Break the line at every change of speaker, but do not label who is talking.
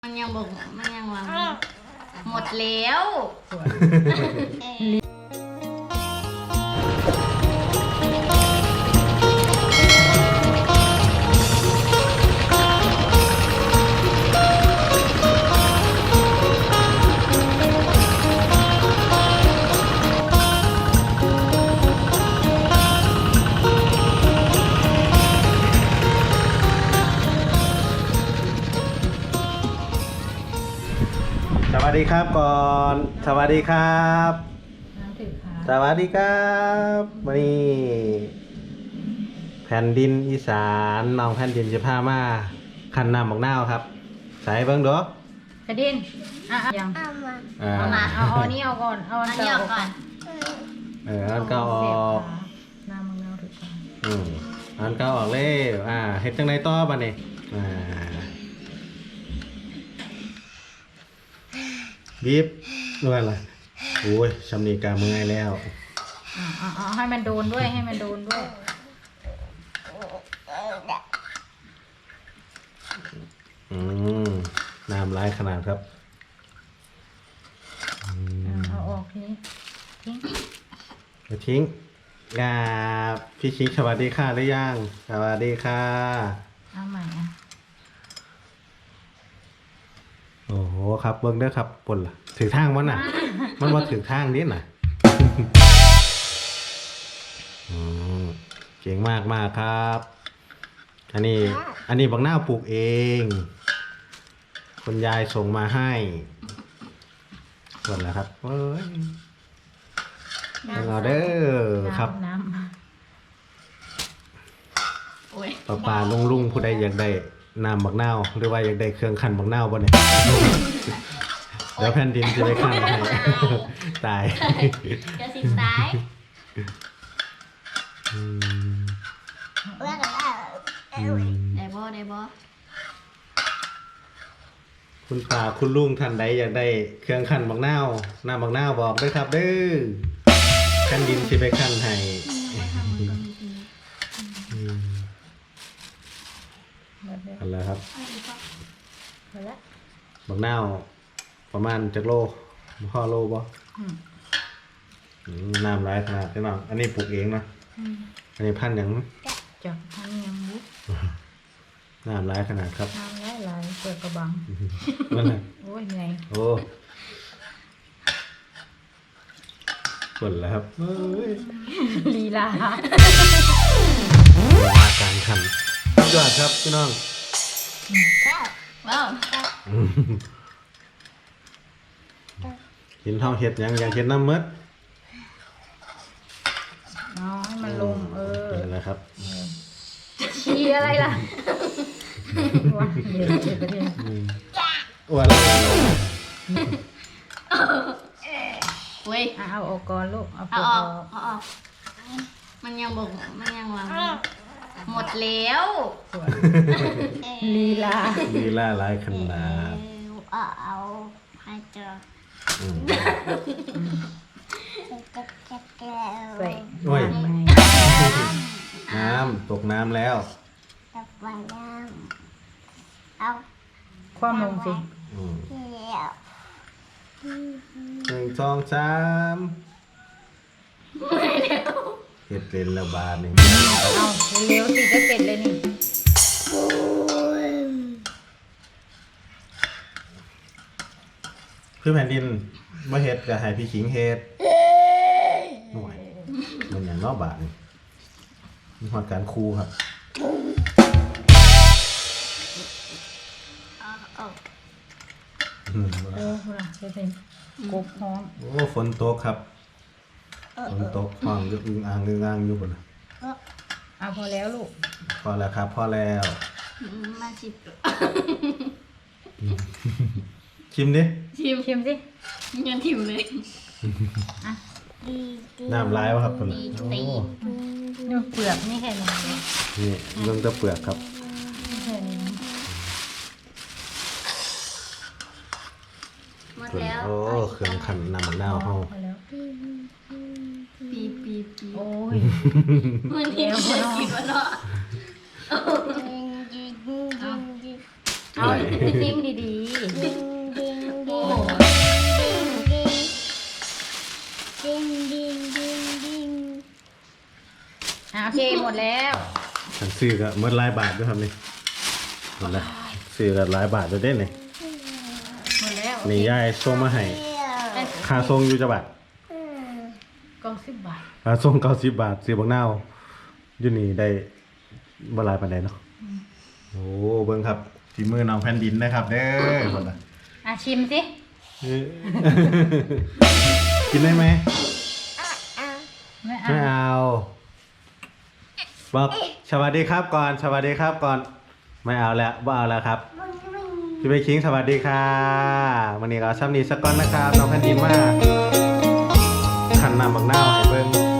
มันยังบอกมันยังวางหมดแล้ว
สวัสดีครับก่อนสวัสดีครับสวัสดีครับวันนี้แผ่นดินอีสานน้องแผ่นดินจะพามาคันน้ำบักนาวครับใส่เบิ้งดู
กระดินยังเอามาเอานี่เอาก่อนเอาอันนี้ออกก่อน
อันเก่าออก
น้ำมังนาวถูกก่อน
อันเก่าออกเลยเฮ็ดจังไดต่อบัดนี้บีบด้วยอะไรโอ้ยชำนีกาเมื่อยแล้ว
ให้มันโดนด้วยให้มันโดนด้วย
น้ำร้ายขนาดครับ
เอาออกทีนี้
ทิ้งพี่ชิคสวัสดีค่ะหรือยังสวัสดีค่ะ
เอาใหม่
โอ้โหครับเบิ้งเด้อครับปนล่ะถือทางมันน่ะ มันว่าถือทางนิดน่ะเก่งมากมากครับอันนี้บักนาวปลูกเองคุณยายส่งมาให้ส่วนแล้วครับเอ้ยเอาเด้อครับปลาลุงผู้ใดอยากได้น้ำบักนาวหรือว่าอยากได้เครื่องคั่นบักนาวบ่เนี่ยเดี๋ยวแผ่นดินจะไปคั่นให้ตาย
จะสิตายได้บ่
คุณป้าคุณลุงท่านใดอยากได้เครื่องคั่นบักนาวน้ำบักนาวบอกด้วยครับเด้อแผ่นดินจะไปคั่นให้อะไรครับบักนาวประมาณจักโลพ่อโลบ่น้ำร้ายขนาดนี้น้องอันนี้ปลูกเองนะอันนี้พันธุ์อย่าง
จากพันธุ์ยังมุก
น้ำร้ายขนาดครับ
น้ำร้ายเปิดกระบัง
นั่นแหละ
โอ้ยเหนื่อย
โอ้ฝนแล้วครับ
ลีลา
การขันยอดครับพี่น้อง
ว้าว
กินเท่าเห็ดยังเห็ดน้ำมืด
ให้มันลง
เป็นอะไรครับ
ชี้อะไรล่ะว้าเดี๋ยว
อ้วนเลย
เว้ยเอาออกก่อนลูกเอาออกมันยังบอกมันยังวางหมดแล้วลีลา
หลายขนาด
เอาให้เจอ
โอ้ยน้ำตกน้ำแล้ว
ความลงสิ
1 2 3เห็ดเป็นแล้วบานนี่
เอาเร็วสิจะเสร็จเลยนี่
คือแผ่นดินมาเห็ดกับหายพี่ขิงเห็ดหน่วยมันอย่างนอกบาทนี่มีความการคูครับ
เป็นกบพร้อม
โอ้ฝนตกครับฝนตกห้องอึ้งอ่างอยู่บน
พอแล้วลูก
พอแล้วครับพอแล้ว
มาชิม
ชิมดิ
ชิมสิยังชิมเลย
น้ำร้ายวะครับคน
นี่เปลือกนี่แค่นี้
นี่เรื่องตะเปลือกครับ
หมดแล้ว
โอ้เครื่องขันน้ำมะนาวเฮา
ปีโอ้ยมันเดียวกินวะเนาะเอาซิมดีดแล้ว
ฉันซื้อก็เมื่อหลายบาทด้วยครับนี่หมดแล้วซื้อก็หลายบาทด้วยเด้นี่
หมดแล้ว
นี่ยายส่งมาให้ค่าส่งอยู่จังหวัด
กล่อง10 บาท
ค่าส่ง90 บาทซื้อบักนาวอยู่นี่ได้บ่หลายปานใดเนาะโอ้เบิ่งครับฝีมือน้องแผ่นดินนะครับเด้อคนละ
ชิมสิ
กินได้ไหม
ไม่
ไม่เอาบอกสวัสดีครับก่อนสวัสดีครับก่อนไม่เอาแล้วบ่เอาแล้วครับพี่เบคิงสวัสดีค่ะวันนี้เราซ้ำนี้สักก้อนนะครับน้องแผ่นดินมากขันน้ำบักนาวให้เบิ่ง